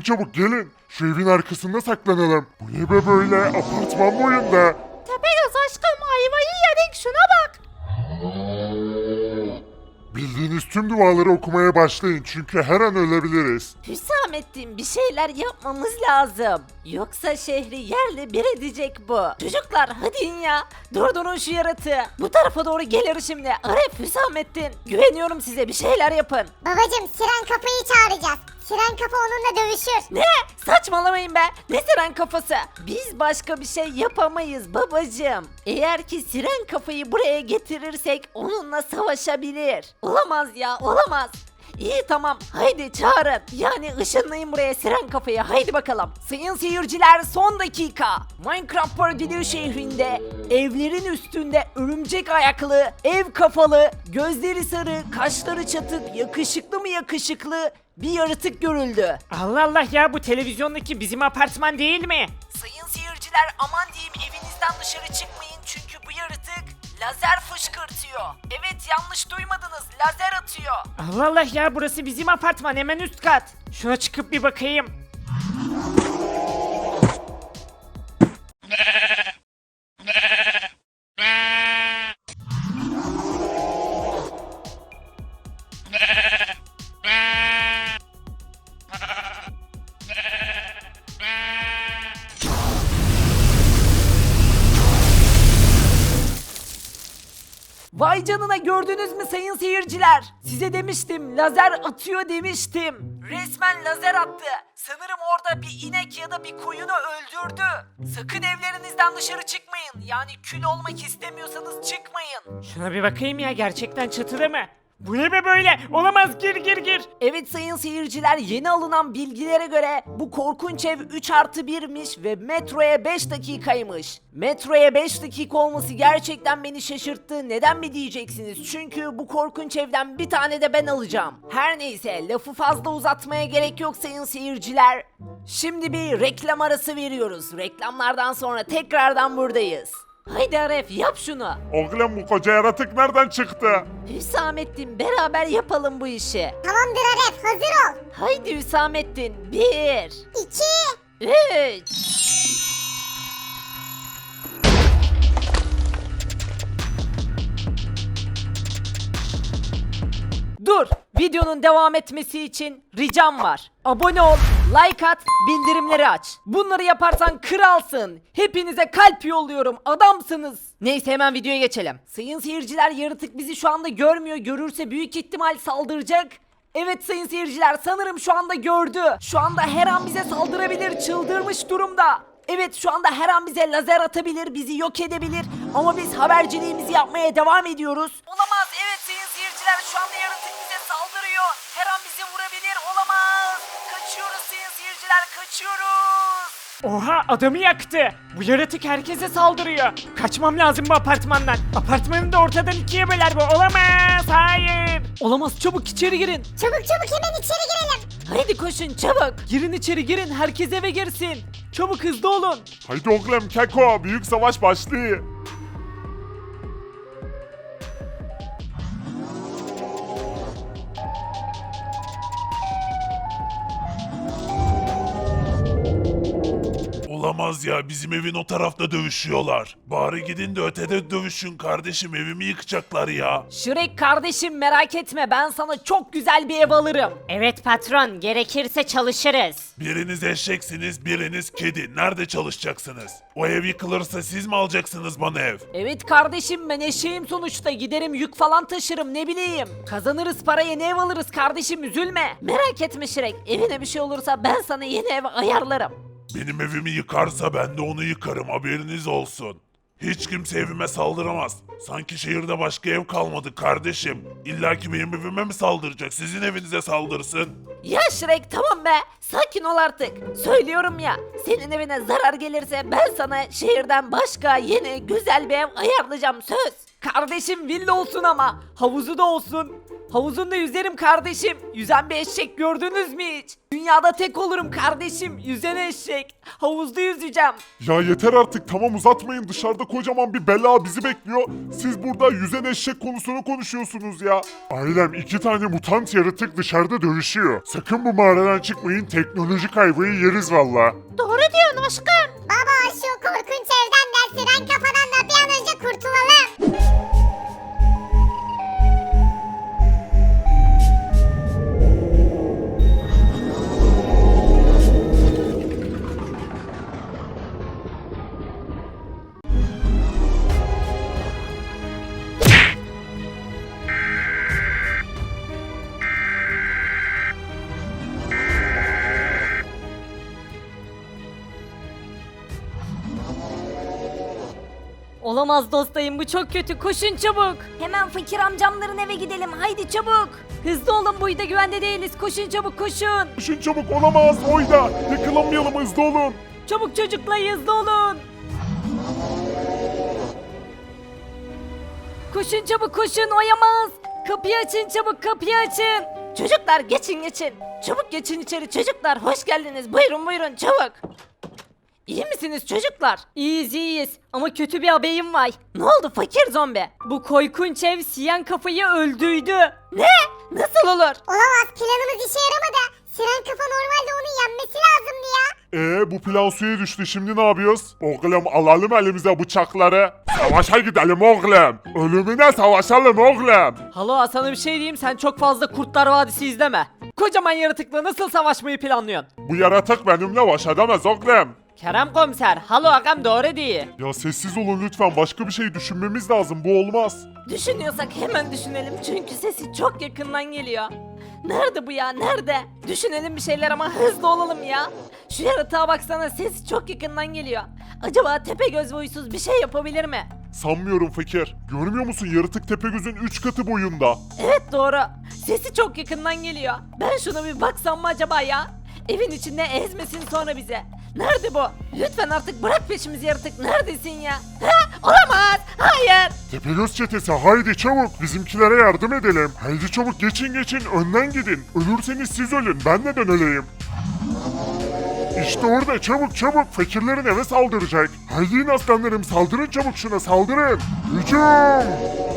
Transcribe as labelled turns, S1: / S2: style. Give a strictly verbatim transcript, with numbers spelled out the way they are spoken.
S1: çabuk gelin. Şu evin arkasında saklanalım. Bu ne be böyle apartman boyunda.
S2: Tepegöz aşkım ayvayı yedik şuna bak.
S1: Bildiğiniz tüm duaları okumaya başlayın çünkü her an ölebiliriz.
S2: Hüsamettin bir şeyler yapmamız lazım. Yoksa şehri yerle bir edecek bu. Çocuklar hadi in ya. Durdurun şu yaratığı. Bu tarafa doğru gelir şimdi. Arif, Hüsamettin. Güveniyorum size, bir şeyler yapın.
S3: Babacım Siren Kafayı çağıracağız. Siren Kafa onunla dövüşür.
S2: Ne? Saçmalamayın be. Ne siren kafası? Biz başka bir şey yapamayız babacığım. Eğer ki siren kafayı buraya getirirsek onunla savaşabilir. Olamaz ya, olamaz. İyi tamam, haydi çağırın. Yani ışınlayın buraya siren kafayı, haydi bakalım. Sayın seyirciler, son dakika. Minecraft Paradiddle şehrinde evlerin üstünde örümcek ayaklı, ev kafalı, gözleri sarı, kaşları çatık, yakışıklı mı yakışıklı bir yaratık görüldü.
S4: Allah Allah ya, bu televizyondaki bizim apartman değil mi?
S2: Sayın seyirciler, aman diyeyim evinizden dışarı çıkmayın çünkü bu yaratık lazer fışkırtıyor. Evet, yanlış duymadınız, lazer atıyor.
S4: Allah Allah ya, burası bizim apartman, hemen üst kat. Şuna çıkıp bir bakayım.
S2: Vay canına, gördünüz mü sayın seyirciler? Size demiştim, lazer atıyor demiştim. Resmen lazer attı. Sanırım orada bir inek ya da bir koyunu öldürdü. Sakın evlerinizden dışarı çıkmayın. Yani kül olmak istemiyorsanız çıkmayın.
S4: Şuna bir bakayım ya, gerçekten çatıda mı? Bu ne be böyle? Olamaz, gir gir gir.
S2: Evet sayın seyirciler, yeni alınan bilgilere göre bu korkunç ev üç artı birmiş ve metroya beş dakikaymış. Metroya beş dakika olması gerçekten beni şaşırttı. Neden mi diyeceksiniz? Çünkü bu korkunç evden bir tane de ben alacağım. Her neyse, lafı fazla uzatmaya gerek yok sayın seyirciler. Şimdi bir reklam arası veriyoruz. Reklamlardan sonra tekrardan buradayız. Haydi Aref, yap şunu.
S1: Oğlum bu koca yaratık nereden çıktı?
S2: Hüsamettin, beraber yapalım bu işi.
S3: Tamamdır Aref, hazır ol.
S2: Haydi Hüsamettin, bir,
S3: İki.
S2: üç. Dur, videonun devam etmesi için ricam var. Abone ol, like at, bildirimleri aç. Bunları yaparsan kralsın. Hepinize kalp yolluyorum, adamsınız. Neyse, hemen videoya geçelim. Sayın seyirciler, yaratık bizi şu anda görmüyor. Görürse büyük ihtimal saldıracak. Evet sayın seyirciler, sanırım şu anda gördü. Şu anda her an bize saldırabilir, çıldırmış durumda. Evet, şu anda her an bize lazer atabilir, bizi yok edebilir. Ama biz haberciliğimizi yapmaya devam ediyoruz. Olamaz, evet sayın seyirciler, şu anda yaratık bize saldırıyor. Her an bizi vurabilir, olamaz. Kaçıyoruz sayın seyirciler, kaçıyoruz.
S4: Oha, adamı yaktı. Bu yaratık herkese saldırıyor. Kaçmam lazım bu apartmandan. Apartmanı da ortadan ikiye böler bu. Olamaz, hayır.
S2: Olamaz, çabuk içeri girin.
S3: Çabuk çabuk hemen içeri girelim.
S2: Haydi koşun çabuk. Girin içeri, girin, herkes eve girsin. Çabuk, hızlı olun.
S1: Haydi oğlum Keko, büyük savaş başlıyor.
S5: Olamaz ya, bizim evin o tarafta dövüşüyorlar. Bari gidin de ötede dövüşün kardeşim, evimi yıkacaklar ya.
S2: Şirek kardeşim, merak etme, ben sana çok güzel bir ev alırım.
S4: Evet patron, gerekirse çalışırız.
S5: Biriniz eşeksiniz, biriniz kedi. Nerede çalışacaksınız? O ev yıkılırsa siz mi alacaksınız bana ev?
S2: Evet kardeşim, ben eşeğim sonuçta, giderim yük falan taşırım, ne bileyim. Kazanırız parayı, yeni ev alırız kardeşim, üzülme. Merak etme Şirek, evine bir şey olursa ben sana yeni ev ayarlarım.
S5: Benim evimi yıkarsa ben de onu yıkarım, haberiniz olsun. Hiç kimse evime saldıramaz. Sanki şehirde başka ev kalmadı kardeşim. İlla ki benim evime mi saldıracak? Sizin evinize saldırsın.
S2: Ya Şirek, tamam be, sakin ol artık. Söylüyorum ya, senin evine zarar gelirse ben sana şehirden başka yeni güzel bir ev ayarlayacağım, söz. Kardeşim villa olsun ama havuzu da olsun. Havuzunda yüzerim kardeşim. Yüzen bir eşek gördünüz mü hiç? Dünyada tek olurum kardeşim. Yüzen eşek. Havuzda yüzeceğim.
S1: Ya yeter artık, tamam uzatmayın, dışarıda kocaman bir bela bizi bekliyor. Siz burada yüzen eşek konusunu konuşuyorsunuz ya. Ailem iki tane mutant yaratık dışarıda dövüşüyor. Sakın bu mağaradan çıkmayın, teknolojik ayvayı yeriz valla.
S3: Doğru diyorsun aşkım. Baba şu korkunç evden de siren kafadan da bir an önce kurtulalım.
S2: Olamaz dostayım, bu çok kötü. Koşun çabuk. Hemen fakir amcamların eve gidelim. Haydi çabuk. Hızlı olun, bu da güvende değiliz. Koşun çabuk koşun.
S1: Koşun çabuk, olamaz Oyda. Yakalanmayalım, hızlı olun.
S2: Çabuk çocuklar, hızlı olun. Koşun çabuk koşun, oyamaz. Kapıyı açın çabuk, kapıyı açın. Çocuklar geçin geçin. Çabuk geçin içeri çocuklar, hoş geldiniz. Buyurun buyurun çabuk. İyi misiniz çocuklar? İyiyiz iyiyiz ama kötü bir haberim var. Ne oldu fakir zombi? Bu korkunç ev siyen kafayı öldürdü. Ne? Nasıl olur?
S3: Olamaz, planımız işe yaramadı. Siren kafa normalde onu yenmesi lazımdı ya.
S1: Ee bu plan suya düştü, şimdi ne yapıyoruz? Oğlum alalım elimize bıçakları. Savaşa gidelim oğlum. Ölümüne savaşalım oğlum.
S2: Halo, sana bir şey diyeyim, sen çok fazla Kurtlar Vadisi izleme. Kocaman yaratıkla nasıl savaşmayı planlıyorsun?
S1: Bu yaratık benimle baş edemez oğlum.
S2: Kerem komiser, halo ağam doğru değil.
S1: Ya sessiz olun lütfen, başka bir şey düşünmemiz lazım, bu olmaz.
S2: Düşünüyorsak hemen düşünelim çünkü sesi çok yakından geliyor. Nerede bu ya, nerede? Düşünelim bir şeyler ama hızlı olalım ya. Şu yaratığa baksana, sesi çok yakından geliyor. Acaba Tepegöz boysuz bir şey yapabilir mi?
S1: Sanmıyorum fakir. Görmüyor musun, yaratık Tepegöz'ün üç katı boyunda.
S2: Evet doğru. Sesi çok yakından geliyor. Ben şuna bir baksam mı acaba ya? Evin içinde ezmesin sonra bize. Nerede bu? Lütfen artık bırak peşimizi yaratık. Neredesin ya? Ha? Olamaz. Hayır.
S1: Tepegöz çetesi, haydi çabuk bizimkilere yardım edelim. Haydi çabuk, geçin geçin, önden gidin. Ölürseniz siz ölün, ben neden öleyim? İşte orada, çabuk çabuk, fakirlerin eve saldıracak. Haydi in aslanlarım, saldırın çabuk şuna, saldırın. Hücum!